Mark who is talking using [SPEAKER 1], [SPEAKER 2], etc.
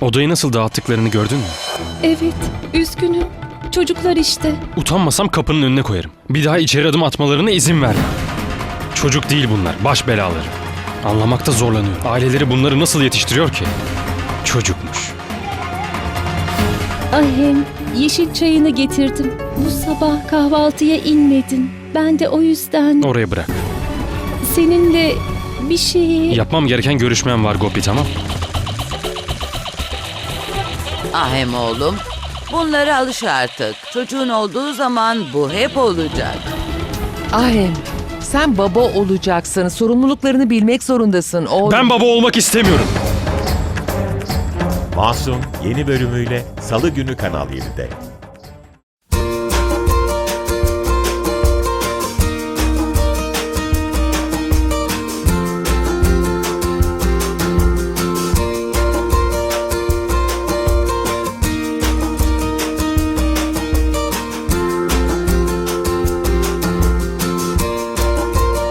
[SPEAKER 1] Odayı nasıl dağıttıklarını gördün mü?
[SPEAKER 2] Evet, üzgünüm. Çocuklar işte.
[SPEAKER 1] Utanmasam kapının önüne koyarım. Bir daha içeri adım atmalarına izin vermem. Çocuk değil bunlar, baş belaları. Anlamakta zorlanıyor. Aileleri bunları nasıl yetiştiriyor ki? Çocukmuş.
[SPEAKER 2] Ahem, yeşil çayını getirdim. Bu sabah kahvaltıya inmedin. Ben de o yüzden
[SPEAKER 1] Oraya bırak.
[SPEAKER 2] seninle bir şeyi...
[SPEAKER 1] Yapmam gereken görüşmem var Gopi, tamam?
[SPEAKER 3] Ahem oğlum, bunlara alış artık. Çocuğun olduğu zaman bu hep olacak.
[SPEAKER 4] Ahem, sen baba olacaksın. Sorumluluklarını bilmek zorundasın oğlum.
[SPEAKER 1] Ben baba olmak istemiyorum.
[SPEAKER 5] Masum yeni bölümüyle Salı günü Kanal 7'de.